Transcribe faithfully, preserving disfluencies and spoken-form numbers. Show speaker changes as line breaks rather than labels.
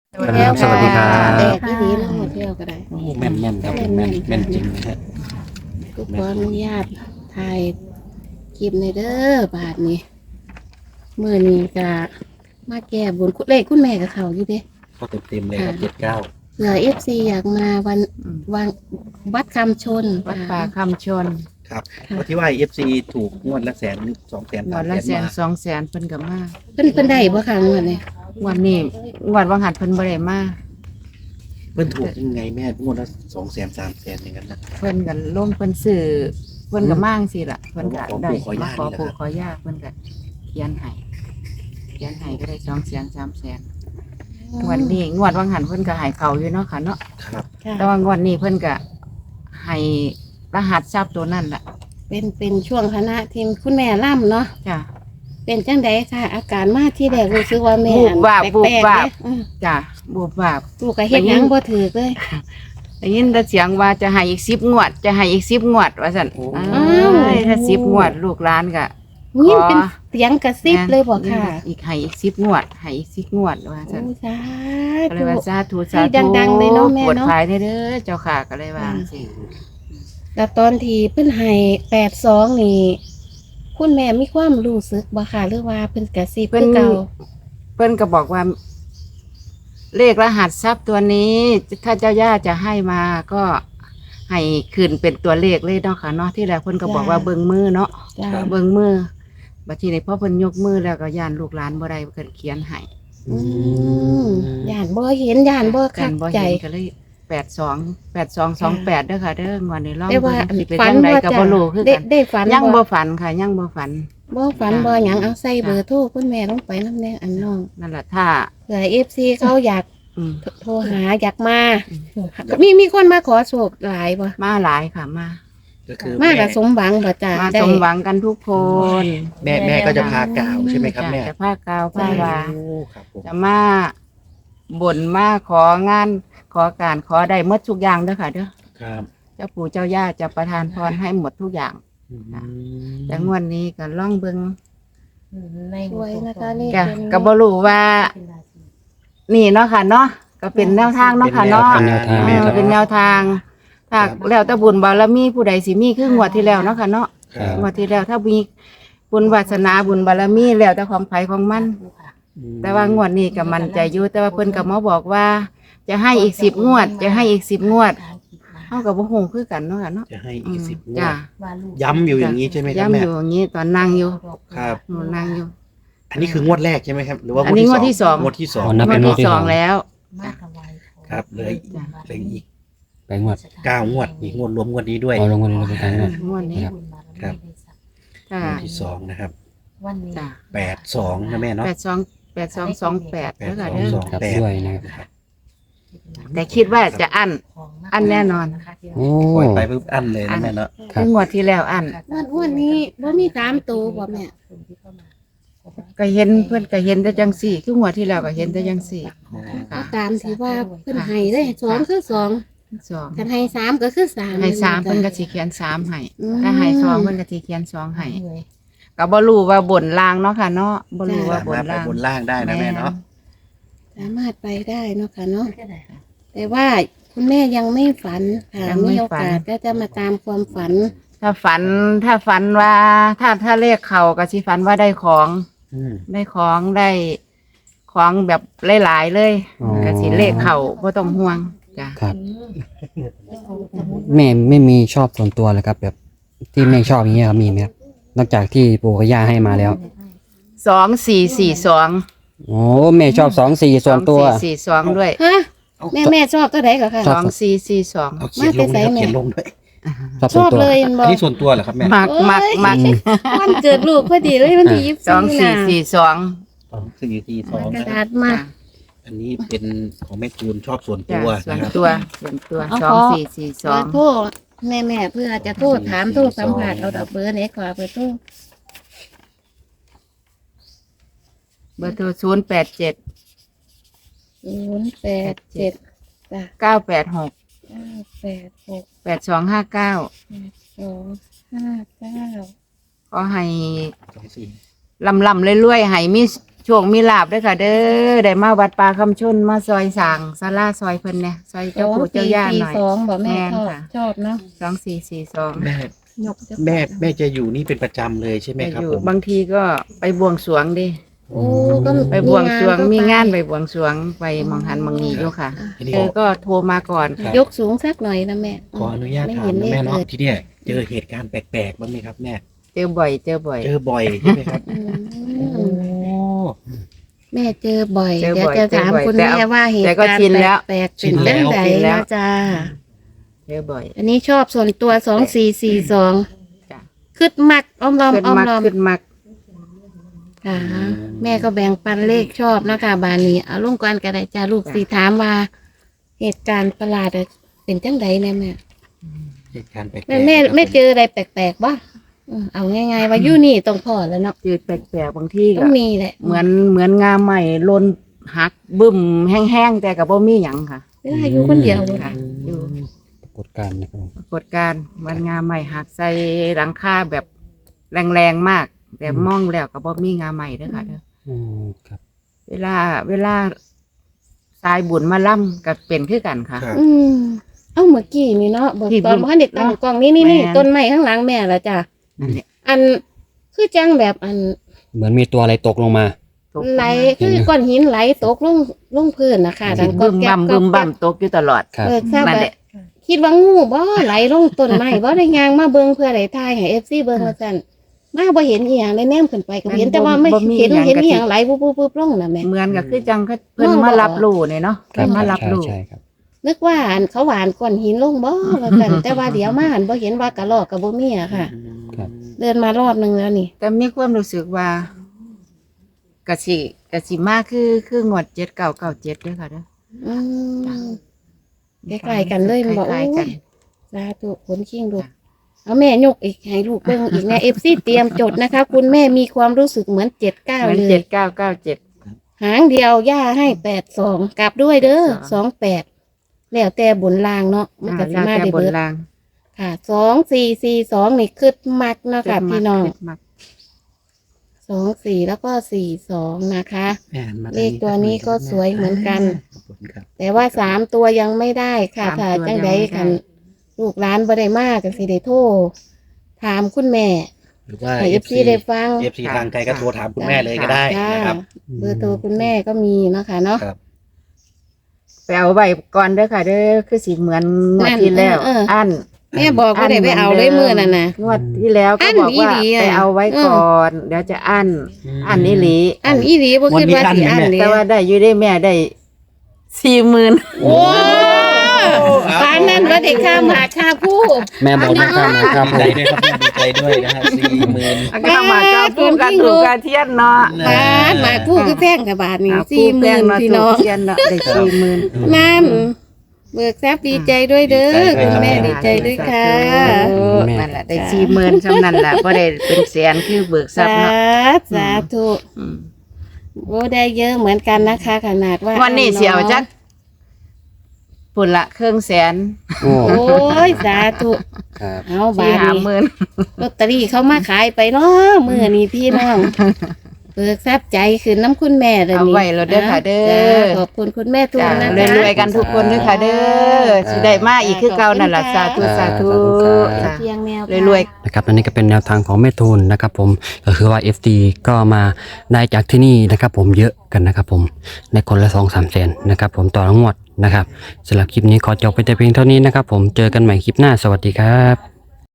ครับสวัสดีครับ
แดดที่ดีเนาะเที่ยวก็ได้
โอ้แม่นแม่นครับผมแม่นแม่นจริงนะฮะ
ก็ขออนุญาตถ่ายคลิปในเด้อบาทนี้มื้อนี้ก็มาแก้บนเลขคุณแม่กับเขาอยู่เด้
ก็เต็มเต็มเลยครับเจ็ดเก้า
เผื่อ เอฟ ซี อยากมาวันวันวัดคำชน
วัดป่าคำชน
ครับเพราะที่ว่าเอฟซีถูกงวดละแสนสองแสน
ง
สาว ม
ด
แส
ละ
น
แสน
มา
สองแสนเพิ่นก็มา
เพิ่นเพิ่นได้บ่คะงวดนี้
งวันนี้งวดวังหัดเพิ่นบ่ได้มา
เพิ่นถูกยังไงแม่งวดละสองแสนสามแสนอย่างนั้นนะ
เพิ่นก็ลงเพิ่นซื้อเพิ่นก็มั่งสิล่ะเพิ่นก็
ขอปู่
ได้
ขอย่า
มาขอ
นี่แหละ
ปู่
ครับ
ขอย่าเพิ่นก็เขียนให้เขียนให้ก็ได้สองแสนสามแสนงวดนี้งวดวังหันเพิ่นก็ให้เขาอยู่เนาะค่ะเนาะ
ครับ
ค่ะ
แต่ว่างวดนี้เพิ่นก็ให้รหัสทรัพย์ตัวนั่นล่ะ
เป็นเป็นช่วงคณะทีมคุณแม่ล่ำเนาะ
จ้ะ
เป็นจังไดค่ะ อาการมาที่แรกรู้สึกว่าแม่
วูบวาบ
แปลก
วูบวาบ
ๆเด้อืม
จ้ะบูบวาบ
ลูกก็เฮ็ดหยังบ่ถือเลย
ได้ยินแต่เสียงว่าจะให้อีกสิบงวด จะให้อีกสิบงวดว่าสั่น
โอ้
อ้ายถ้าสิบงวดลูกหลานก็
นี่
ขอ
เป็นเสียงกระซิบเลยบอกค่ะ
อีกให้อีกสิบงวดให้อีกสิบงวดว่าสั่น
โอ้สา
ก็เลย
ธุ
ว่าสาธุ
ให้
สาธุ
ดังๆเลยเนาะแม่เนาะ
ปวดภายเด้อเจ้าค่ะก็เลยว่าสิ
แล้วตอนที่เพิ่นให้แปดสองนี่ คุณแม่มีความรู้สึกบ่ค่ะหรือว่าเพิ่นกระซิบคือเก่า
เพิ่นก็บอกว่า เลขรหัสทรัพย์ตัวนี้ ถ้าเจ้าย่าจะให้มาก็ให้ขึ้นเป็นตัวเลขเลยเนาะค่ะเนาะที่แรกเพิ่นก็บอกว่าเบิ่งมือเนาะ
จ้า
เบิ่งมือบัดทีนี้พอเพิ่นยกมือแล้วก็ย่านลูกหลานบ่ได้เพิ่นเขียนให้
อืมย่านบ่เห็นย่านบ่
กั
คั
น
ก
บ่
ใจ
เห็นก็เลยแปดสอง แปดสองสองแปดเด้อค่ะเด้องวดนี้ลอง
ได้ว่า
เบิ่งสิเป็น
ฝัน
จังได
บ่
ก็
จ้ะ
บ่รู้คือ
ได้
กัน
ได้ฝัน
ยังบ่ฝันค่ะยังบ่ฝัน
บ่ฝันบ่หยังเอาใส่เบอร์โทรคุณแม่ลงไปนำแน่อันน้อง
นั่นแหละถ้า
เผื่อ เอฟ ซี เขาอยาก
อืม
โทรหาอยากมา มีมีคนมาขอโชคหลายบ่
มาหลายค่ะมา
ก็คือ
มา
แม่
กับสมหวังบ่จ้า
มา
ได้
สมหวังกันทุกคน
แม่แม่ก็จะพากล่าวใช่ไหมครับแม่
จ้ะจะผ้ากาวผ้าวา
โอ้ครับผม
จะมาบ่นมาของาน ขอการขอได้หมดทุกอย่างเด้อค่ะเด้อ
ครับ
เจ้าปู่เจ้าย่าจะประทานพรให้หมดทุกอย่าง
อืม
แต่งวดนี้ก็ล่องเบิง
สวยนะคะนี่
จ้ะ
เป็น
ก็บ่รู้ว่า นี่เนาะค่ะเนาะก็เป็นแนวทางเนาะค่ะเนาะ
เป็นแนวทาง
เออเป็นแนวทาง ถ้าแล้วแต่บุญบารมีผู้ใดสิมีคืองวดที่แล้วเนาะค่ะเนาะ
ครับ
งวดที่แล้วถ้ามีบุญวาสนาบุญบารมีแล้วแต่ของไผของมัน แต่ว่างวดนี้ก็มั่นใจอยู่แต่ว่าเพิ่นก็มาบอกว่า จะให้อีกสิบงวด จะให้อีกสิบงวดเฮาก็บ่ฮู้คือกันเนาะค่ะเนาะ
จะให้
อื
อีก
ม
สิบงว
จ้ะ
ดย้ำอยู่อย่างนี้ใช่ไหมครับ
ย้ำ
แม่
อยู่อย่างนี้ตอนนั่งอยู่
ครับ
หนูนั่งอยู่
อันนี้คืองวดแรกใช่ไหมครับ หรือว่า
อันนี้งวดที่สอง
งวดที่สอง
อ๋อนับ
ง
เป็
วด
น
ที่สองแล้ว
ครับเหลย
จ้ะ
เหลยอีก
ไปงวด
เก้างวดอีกงวดรวมงวดนี้ด้วย
เอาลงวันนี้เราไปทางงวด
งวดนี้
ครับ
จ้ะ
งวดที่สองนะครับ
จ้ะ
แปดสองนะแม่เนาะ
แปดสองแปดสองสองแปด
แป
แล้
ด
วก็
สอง
เด้อ
สอง
ครับ
แปด
ด้วยนะครับ
แต่คิดว่าจะอัน อันแน่นอน
โอ้
ปล่อยไปปุ๊บอันเลยนะแม่เนาะ
ครั
คื
บ
องวดที่แล้วอัน
งวดงวดนี้บ่มีสามตัวบ่แม่
ก็เห็นเพื่อนก็เห็นแต่จังสี่ คืองวดที่แล้วก็เห็นแต่จังสี่
เอาตามที่ว่าเพิ่นให้เลยสองคือสอง
สอง
คันให้สามก็คือสาม
ให้สามเพิ่นก็สิเขียนสามให้
อืม
ถ้าให้สองเพิ่นก็สิเขียนสองให้ก็บ่รู้ว่าบนล่างเนาะค่ะเนาะบ่รู้ว่า
สา
บน
มารถไป
ล่าง
บนล่างได้นะแม่เนาะ
สามารถไปได้เนาะค่ะเนาะแต่ว่าคุณแม่ยังไม่ฝันค่ะมีโอกาสก็จะมาตามความฝัน
ถ้าฝันถ้าฝันว่า ถ้าถ้าเลขเข้าก็สิฝันว่าได้ของ
อืม
ได้ของได้ของแบบหลายๆเลย
อ๋อ
ก็สิเลขเข้าบ่ต้องห่วงจ้ะ
ครับ แม่ไม่มีชอบส่วนตัวเลยครับ แบบที่แม่ชอบอย่างเงี้ยครับมีไหมครับนอกจากที่ปู่กับย่าให้มาแล้ว
สองสี่สี่สอง
โอ้แม่ชอบสองสี่ส่วนตัว
สองสี่สี่สองด้วย
ฮะ
เอา
แม่แม่ชอบตัวไหนก็ค่ะ
ช
ส
อบ
องสี่สี่สอง
เอาเขียนลงด้วยครับเขียนลงด้วย
ชอบ
ช
ส่วน
อบ
ตัว
เลยมันบ
อั
อน ก
นี้ส่วนตัวเหรอครับแม่
มักมักมัก
อืม
วันเกิดลูกพอดีเลยวันที่ยี่สิบ
สองสี่
นะ
สี่สอง
สองสี่ทีสอง
กระ
นะค
ดา
รับ
ษมา
อันนี้เป็นของแม่จูนชอบส่วน
จ้ะ
ตัว
ส่วน
นะครับ
ตัวส่วนตัว
เอา
สอง
ขอ
สี่สี่ส
ข
อ
อง โทษแม่แม่เพื่อจะโทษถามโทษสัมผัสเอาดอกเบอร์ไหนขอเบอร์โทษ
เบอร์โทรศูนย์แปดเจ็ด
ศูนย์แปดเจ็ดจ้ะ
เก้าแปดหก
เก้าแปดหก
แปดสองห้าเก้า
แปดสองห้าเก้า
ขอให้
สองสี่
ลำลำเรื่อยๆให้มีโชคมีลาบด้วยค่ะ เด้อได้มาวัดป่าคำชนมาซอยสร้างศาลาซอยเพิ่นเนี่ยซอย
ส
เจ้า
อง
ปู่เจ้า
สี่
ย่า
สี่
หน่อย
สองบ่แม่
แม่น
ชอบ
ค่ะ
ชอบเนาะ
สองสี่สี่สอง
แม่
ยกจะ
แม่แม่จะอยู่นี่เป็นประจำเลยใช่ไหม
ไป
ครับ
อยู่
ผม
บางทีก็ไปบวงสรวงดิ
โอ้ก็
ไปบวงสรวงมีงานไป
ไป
บวงสรวงไปมองหันมองนีอยู่ค่ะ
ทีนี้
เออก็โทรมาก่อนค่ะ
ยกสูงสักหน่อยนะแม่
ขออนุญาต
ไม่
ถาม
เห็น
นะ
เลข
แม่
เล
เนาะ
ย
ที่เนี่ยเจอเหตุการณ์แปลกๆบ้างไหมครับแม่
เจอบ่อยเจอบ่อย
เจอบ่อยใช่ไหมครับ
อื
โอ้
มแม่เจอบ่อย
เจอ
เดี๋ยว
บ่อย
จะถาม
เจอบ่อย
คุณ
แต่
แม่
เอา
ว่าเหตุ
แต่ก็
การ
ชิน
ณ์
แล้ว
แปลกๆเป็นเรื่องใด
ชินแล้ว
นะจ้า
เจอบ่อย
อันนี้ชอบส่วนตัวสองสี่สี่สอง
จ้ะ
คึดมักอ้อมลอม
ขึ้น
อ้อม
มัก
ลอม
ขึ้นมัก
ค่ะแม่ก็แบ่งปันเลขชอบนะคะบานนี้เอาลงก่อนก็ได้จ้าลูกสีถามว่า เหตุการณ์ประหลาดเป็นจังใดเนี่ยแม่
เหตุการณ์แปลกๆ
แม่แม่
ครับ
ไม่เจออะไรแปลกๆบ้างเอาง่ายๆว่าอยู่นี่ต้องพอแล้วเนาะ
จืดแปลกๆบางที่
ต้
ก็
องมีแหละ
เหมือนเหมือนงาใหม่ลนหักบึ้มแห้งๆแต่กับบ่มีหยังค่ะ
เวลาอยู่คนเดียว
ค่ะ อยู่
ปรากฏการณ์นะครับ
ปรากฏการณ์มันงาใหม่หักใส่หลังคาแบบแรงๆมาก แต่มองแล้วกับบ่มีงาใหม่เด้อค่ะเด้อ
อืมครับ
เวลาเวลาสายบุญมาล่ำก็เป็นคือกันค่ะ
ครับ
อืมเอ้าเมื่อกี้นี่เนาะบอก
ที่
ตอน
บุญ
พ่อเด็กตั้งกล้องนี่นี่นี่
แม่น
ต้นไม้ข้างหลังแม่ละจ้ะ
อันเนี้ย
อันคือจังแบบอัน
เหมือนมีตัวอะไรตกลงมา
ตก
ไหลคือก้อนหินไหลตกลงลงพื้นนะคะดัง
บึ้ม
แก๊
บั่ม
ก็
บึ้มบั่ม
แก๊ก
ตกอยู่ตลอด
ครับ
เออทราบ
นั่น
แบ
แห
บ
ละ
คิดว่างูบ่ไหลลงต้นไม้บ่ได้ยางมาเบิ่งเพื่อได้ทายให้ เอฟ ซี เบิ่งว่าซั่นมาบ่เห็นอีหยังได้แนมขึ้นไปก็บ่เห็นแต่ว่าไม่
บ่มี
เห็น
หยัง
เห็น
กะ
อี
ทิ
หยังไหลปุ๊บๆๆลงน่ะแม่
เหมือนกับคือจังเขาเพิ่น
มองบ่
มารับรู้เนี่ยเนาะ
ครั
เพิ่
บ
นมารับ
ใช่
รู้
ใช่ครับ
นึกว่าอันเขาหวานก้อนหินลงบ่ว่าซั่นแต่ว่าเดี๋ยวมาหันบ่เห็นว่ากระรอกก็บ่มีอะค่ะ
ครับ
เดินมารอบนึงแล้วนี่
แต่มีความรู้สึกว่ากะสิกะสิมากคือคืองวดเจ็ดเก้าเก้าเจ็ดด้วยค่ะเด้อ
อืม ใกล้ๆกันเลยมันบอก
คล้ายๆกัน
สาธุผลชิงลูกเอาแม่ยกอีกให้ลูกเบิ่งอีกนะ เอฟ ซี เตรียมจดนะคะ คุณแม่มีความรู้สึกเหมือนเจ็ดเก้า
เหมือน
เล
เจ็
ย
ดเก้าเก้าเจ็ด
หางเดียวย่าให้แปดสองกลับด้วยเด้อสองแปดแล้วแต่บนลางเนาะมันก็สิ
แล้ว
มา
แต่
ได้
บน
เบิด
ราง
ค่ะสองสี่สี่สองนี่คึดมักเนาะค่ะพี่น้อง
ขึ้มัก
สองสี่แล้วก็สี่สองนะคะ
แม่มา
เลขตัวนี้ก็สวยเหมือนกัน
ขอบคุณครับ
แต่ว่าสามตัวยังไม่ได้ค่ะ
สาม
ถ้า
ตัว
จัง
ยัง
ใด
ไม่ได้
กันลูกหลานบ่ได้มากก็สิได้โทรถามคุณแม่
หรือว่า
ให้
เอ
เอ
ฟ
ฟ
ซี
ซีได้ฟัง
เอฟซีทางไกลก็โทรถามคุณแม่เลยก็ได้
จ้า
นะครับ
เบอร์โทรคุณแม่ก็มีเนาะค่ะเนาะ
ครับ
ไปเอาไว้ก่อนเด้อค่ะ เด้อคือสิเหมือนงวดที่แล้ว
เออเออ
อัน
แม่บอกว่าได้ไปเอาเลยมือนั่นน่ะ
งวดที่แล้ว
อั้
ก็
น
บอกว่า
อีหลีอะ
ไปเอาไว้ก่อน เดี๋ยวจะอันอันนี้หลี
อันอีหลีบ่คิดว่าสิอันนี่
แต่ว่าได้อยู่ได้แม่ได้สี่หมื่น
โอ้ปานนั้นว่าได้ค่าหมาค่าผู้
แม่บอกนะครับนะครับ
ดีใจด้วยครับแม่ดีใจด้วยนะฮะสี่หมื่น
ก็มาเจ้าปูกันถูกกระเทียนเนาะ
ปานหมาผู้คือแพงกับบาทนี่
อ่า
สี่หมื่น
ปูแป้งเาะ
พี่น้อง
ถูกเทียนเนาะได้สี่หมื่น
นั่นเบิกทรัพย์ดีใจด้วยเด้อคุณแม่ดีใจด้วยค่ะ
นั่นแหละได้สี่หมื่นเท่านั้นแหละก็ได้เป็นแสนคือเบิกทรัพ
สา
ย์เนาะ
ธุสาธุ
อืม
โอ้ได้เยอะเหมือนกันนะคะ ขนาดว่า
วันนี้เสียวจักปุ่นละเครื่องแสน
โอ้
โอ้ยสาธุ
ครับ
เอาบา
สี่
ท
ห้า
นี้
หมื่น
ลอตเตอรี่เขามาขายไปเนาะมือนี้พี่น้องเบิกทรัพย์ใจขึ้นน้ำคุณแม่เลย
เอา
นี่
ไว้แล้วเด้อค่ะเด้อ
จ้าขอบคุณคุณแม่ทุก
จ้า
นะ
ร
คะ
วยๆกันทุกคนด้วยค่ะเด้อสิได้มาอีกคือเก่านั่นล่ะสาธุสาธุจ้า
เพียงแนว
รวยๆ
นะครับอันนี้ก็เป็นแนวทางของแม่ทูนนะครับผมก็คือว่า เอฟ ดี ก็มาได้จากที่นี่นะครับผมเยอะกันนะครับผมในคนละสองสามแสนนะครับผมต่อทั้งหมดนะครับสำหรับคลิปนี้ขอจบไปแต่เพียงเท่านี้นะครับผมเจอกันใหม่คลิปหน้าสวัสดีครับ